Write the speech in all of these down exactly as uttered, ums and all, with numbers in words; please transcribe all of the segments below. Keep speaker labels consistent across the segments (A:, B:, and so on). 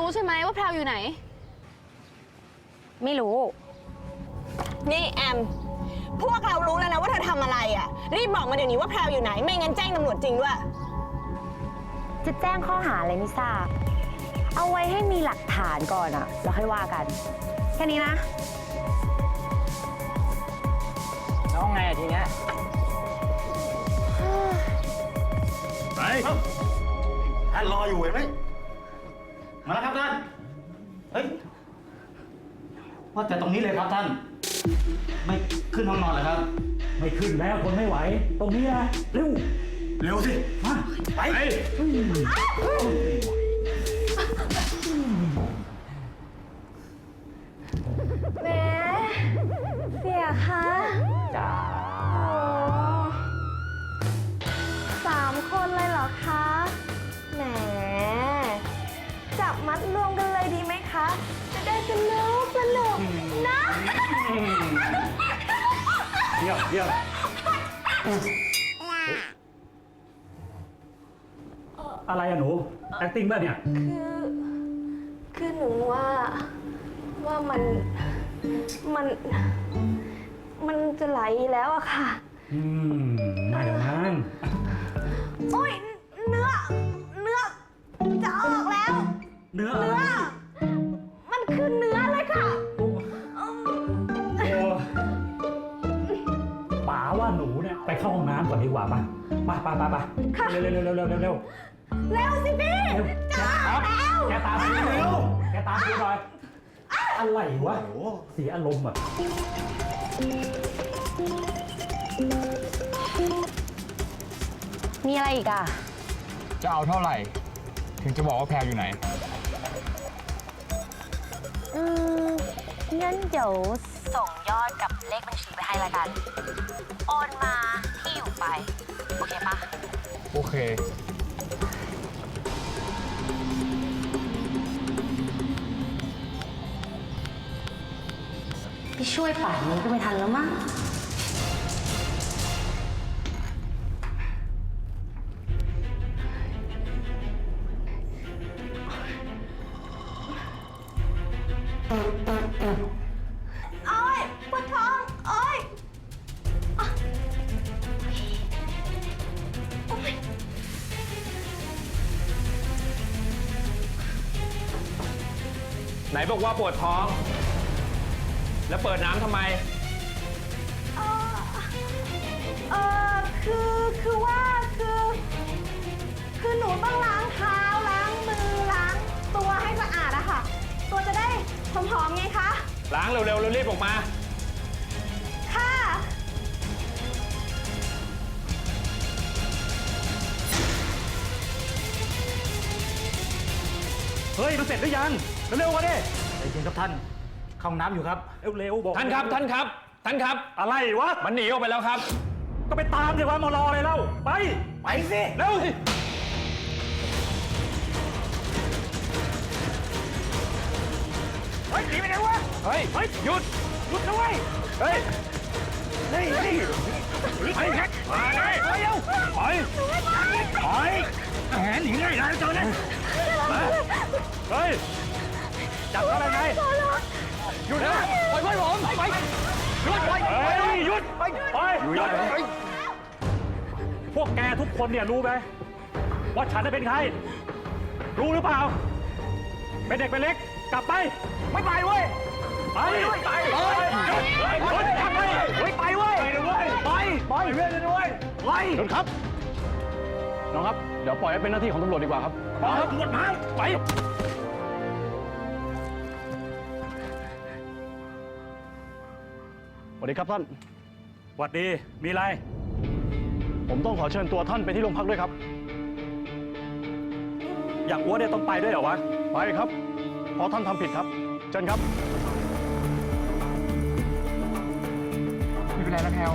A: รู้ใช่ไหมว่าแพรวอยู่ไหน
B: ไม่รู้
C: นี่แอมพวกเรารู้แล้วนะว่าเธอทำอะไรอ่ะรีบบอกมาเดี๋ยวนี้ว่าแพรวอยู่ไหนไม่งั้นแจ้งตำรวจจริงด้วย
B: จะแจ้งข้อหาอะไรไม่ทราบเอาไว้ให้มีหลักฐานก่อนอะแล้วค่อยว่ากันแค่นี้นะ
D: แล้วไงทีเนี้ย
E: ไปท่านรออยู่เห็นไหมมาแล้วครับท่านเฮ้ยว่าแต่ตรงนี้เลยครับท่านไม่ขึ้นห้องนอนเลยครับ
F: ไม่ขึ้นแล้วคนไม่ไหวตรงนี้นะเร็ว
E: เร็วสิมาไป
B: แหมเสียคะ
F: จ้า
B: สามคนเลยเหรอคะแหมจับมัดรวมกันเลยดีไหมคะจะได้สนุกสนุกนะ
F: เดี๋ยวเดี๋ยวอะไรอะหนู acting บ้าเนี่ย
B: คือคือหนูว่าว่ามันมันมันจะไหลแล้วอะค่ะ
F: อืมไม่อย่างนั้น
B: โอ้ยเนื้อเนื้อจะออกแล้ว
F: เนื้อ
B: เนื้อมันคือเนื้อเลยค่ะ
F: โอ้ป๋าว่าหนูเนี่ยไปเข้าห้องน้ำก่อนดีกว่าป่ะมาไปไปไปเร็วเร็วเร็วเร็วเร็วเร็ว
B: เร็วสิพี่จ้าแล้ว
F: แกตามไปเร็วแกตามไปหน่อยอะไรวะเสียอารมณ์อ่ะ
B: มีอะไรอีกอ่ะ
D: จะเอาเท่าไหร่ถึงจะบอกว่าแพรอยู่ไหน
B: อืมงั้นเดี๋ยวส่งยอดกับเลขบัญชีไปให้ละกันโอนมาที่อยู่ไปโอเคปะ
D: โอเค
B: พี่ช่วยป่านนี้ก็ไม่ทันแล้วมั้งโอ๊ยปวดท้องโอ๊ย
D: ไหนบอกว่าปวดท้องแล้วเปิดน้ำทำไม
B: เออเออคือคือว่าคือคือหนูต้องล้างเท้าล้างมือล้างตัวให้สะอาดอะค่ะตัวจะได้หอมๆไงคะ
D: ล้างเร็วๆเร็วรีบออกมา
B: ค่ะ
F: เฮ้ยมันเสร็จหรือยังเร็วๆกันดิใจเย็นครับท่านเข้าห้องน้ำอยู่ครับเร็วๆบอก
D: ท่านครับท่านครับท่านครับ
F: อะไรวะ
D: มันหนีออกไปแล้วครับ
F: ก็ไปตามสิวะมารออะไรเล่าไป
D: ไปสิเร็วสิ
F: เฮ้ยหนีไปไหนวะ
D: เฮ้ย
F: เฮ้ย
D: หยุด
F: หยุดนะเว้ย
D: เฮ้ย
F: นี่นี่
D: ไปมาเลย
F: ไปเร็วไปไปแหมหนีง่ายนะเจ้าเนี่ยเฮ้ยจับอะไรไง
D: หยุดนะปล่อยไว้ผมไปหยุดไป
F: หยุดไปไปหยุดพวกแกทุกคนเนี่ยรู้ไหมว่าฉันจะเป็นใครรู้หรือเปล่าเป็นเด็กเป็นเล็กกลับไปไม่ไปเว้ยไปไปไปหยุดหยุดกลับไปเฮ้ยไปเว้ยไปไปเว้ยเลยด้วยไปหยุดครับ
D: น้องครับเดี๋ยวปล่อยให้เป็นหน้าที่ของตำรวจดีกว่าครับ
F: ไปตำรวจมาไป
E: สวัสดีครับท่าน
F: สวัสดีมีอะไร
E: ผมต้องขอเชิญตัวท่านไปที่โรงพักด้วยครับ
F: อย่างอ้วนเนี่ยต้องไปด้วยเหรอวะ
E: ไปครับเพราะท่านทำผิดครับเชิญครับ
D: ไม่เป็นไรนะแพลว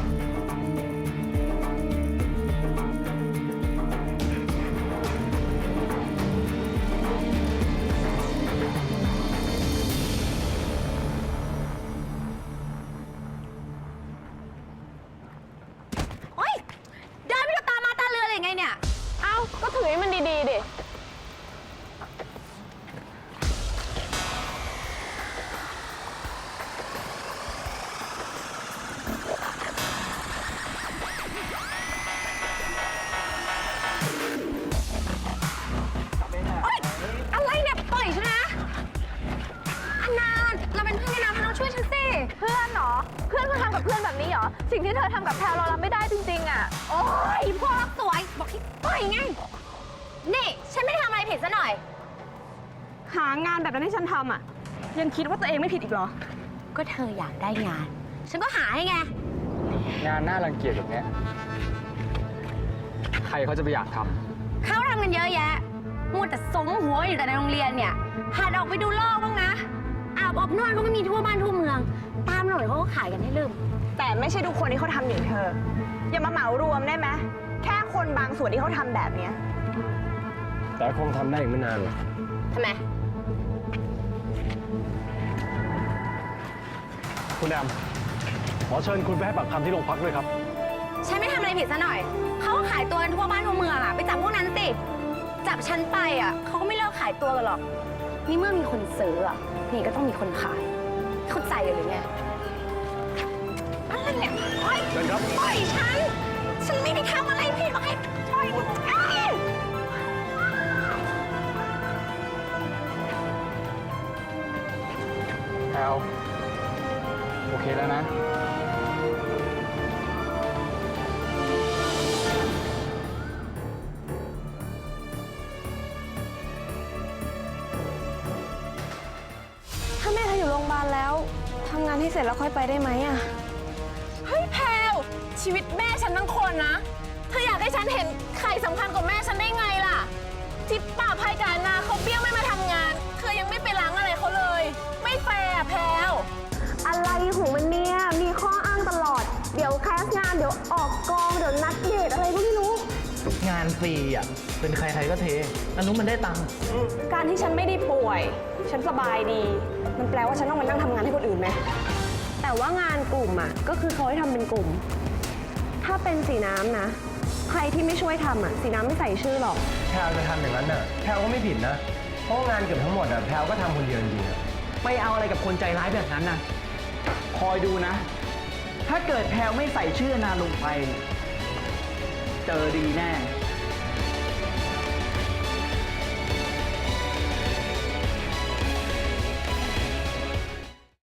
A: ก็ถือให้มันดีๆดิ
B: กับเพื่อนแบบนี้เหรอ สิ่งที่เธอทำกับแพรเรารับไม่ได้จริงๆอ่ะ
A: โอ้ยพวกรักสวย บอกให้ปล่อยไง นี่ฉันไม่ได้ทำอะไรผิดซะหน่อย
C: หางานแบบนั้นให้ฉันทำอ่ะ ยังคิดว่าตัวเองไม่ผิดอีกเหรอ
A: ก็เธออยากได้งาน ฉันก็หาให้ไง
G: งานน่ารังเกียจแบบเนี้ยใครเขาจะไปอยากทำ
A: เขาทำกันเยอะแยะมัวแต่สมหัวอยู่แต่ในโรงเรียนเนี่ยหัดออกไปดูโลกบ้างนะอาบอบนวดก็ไม่มีทั่วบ้านทั่วเมือง ตามหน่อยเขาก็ขายกันให้ลืม
C: แต่ไม่ใช่ทุกคนที่เขาทำอย่างเธอ อย่ามาเหมารวมได้ไหมแค่คนบางส่วนที่เขาทำแบบเนี้ย
G: แต่คงทำได้อีกไม่นานหรอก
A: ทำไม
F: คุณแอมขอเชิญคุณไปให้ปากคำที่โรงพักด้วยครับ
A: ฉันไม่ทำอะไรผิดซะหน่อย เขาก็ขายตัวกันทั่วบ้านทั่วเมืองอะไปจับพวกนั้นสิ จับฉันไปอะเขาก็ไม่เลิกขายตัวกันหรอก นี่เมื่อมีคนซื้ออะนี่ก็ต้องมีคนขาย เข้าใจหรือไงอะไรเนี่ยปล่อย
F: เชิญครับ
A: ปล่อยฉัน ฉันไม่ได้ทำอะไรผิดหรอกให้ปล่อยเอ้ย
G: แพลวโอเคแล้วนะ
C: ถ้าแม่เธออยู่โรงพยาบาลแล้วทำงานให้เสร็จแล้วค่อยไปได้ไหมอ่ะ เฮ้ยแพลวชีวิตแม่ฉันทั้งคนนะ เธออยากให้ฉันเห็นใครสำคัญกว่าแม่ฉันได้ไงล่ะ ที่ป่าภัยการนาเขาเบี้ยวไม่มาทำงาน เธอยังไม่ไปล้างอะไรเขาเลย ไม่แฟร์อะแพลว
B: อะไรของมันเนี่ย มีข้ออ้างตลอด เดี๋ยวแคสงาน เดี๋ยวออกกอง เดี๋ยวนัดเดทอะไรก็ไม่รู้
H: งานฟรีอ่ะ เป็นใครใครก็เทอันนู้นมันได้ตังค์
C: การที่ฉันไม่ได้ป่วย ฉันสบายดี มันแปลว่าฉันต้องมานั่งทำงานให้คนอื่นไหม แต่ว่างานกลุ่มอ่ะ ก็คือเขาให้ทำเป็นกลุ่ม ถ้าเป็นสีน้ำนะ ใครที่ไม่ช่วยทำอ่ะ สีน้ำไม่ใส่ชื่อหรอก
G: แพลวจะทำอย่างนั้นน่ะ แพลวก็ไม่ผิดนะ เพราะงานเกือบทั้งหมดอ่ะ แพลวก็ทำคนเดียวจริงๆอะ
H: ไม่เอาอะไรกับคนใจร้ายแบบนั้นนะคอยดูนะ ถ้าเกิดแพลวไม่ใส่ชื่อนาลงไป เจอดีแน่